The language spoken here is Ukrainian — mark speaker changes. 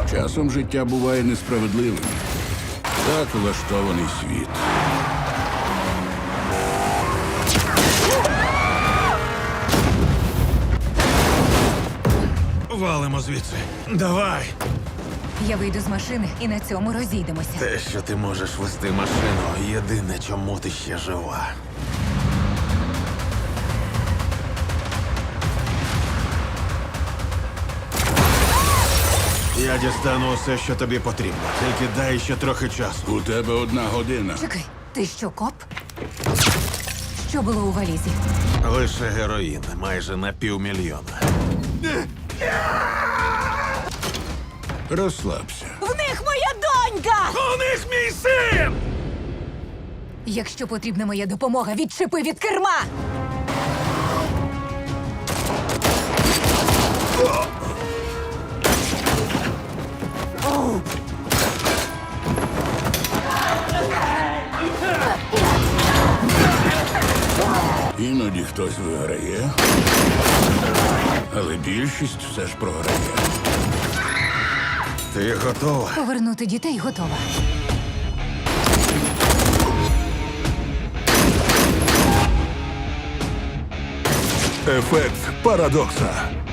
Speaker 1: Часом життя буває несправедливим. Так влаштований світ.
Speaker 2: Валимо звідси. Давай!
Speaker 3: Я вийду з машини і на цьому розійдемося.
Speaker 2: Те, що ти можеш вести машину, єдине, чому ти ще жива. Я дістану усе, що тобі потрібно. Тільки дай ще трохи часу.
Speaker 1: У тебе 1 година.
Speaker 3: Чекай, ти що, коп? Що було у валізі?
Speaker 2: Лише героїн, майже на 500 000.
Speaker 1: Розслабся.
Speaker 3: В них моя донька!
Speaker 2: У них мій син!
Speaker 3: Якщо потрібна моя допомога, відчепи від керма!
Speaker 1: Іноді хтось виграє, але більшість все ж програє.
Speaker 2: Ти готова?
Speaker 3: Повернути дітей готова.
Speaker 1: Ефект парадокса.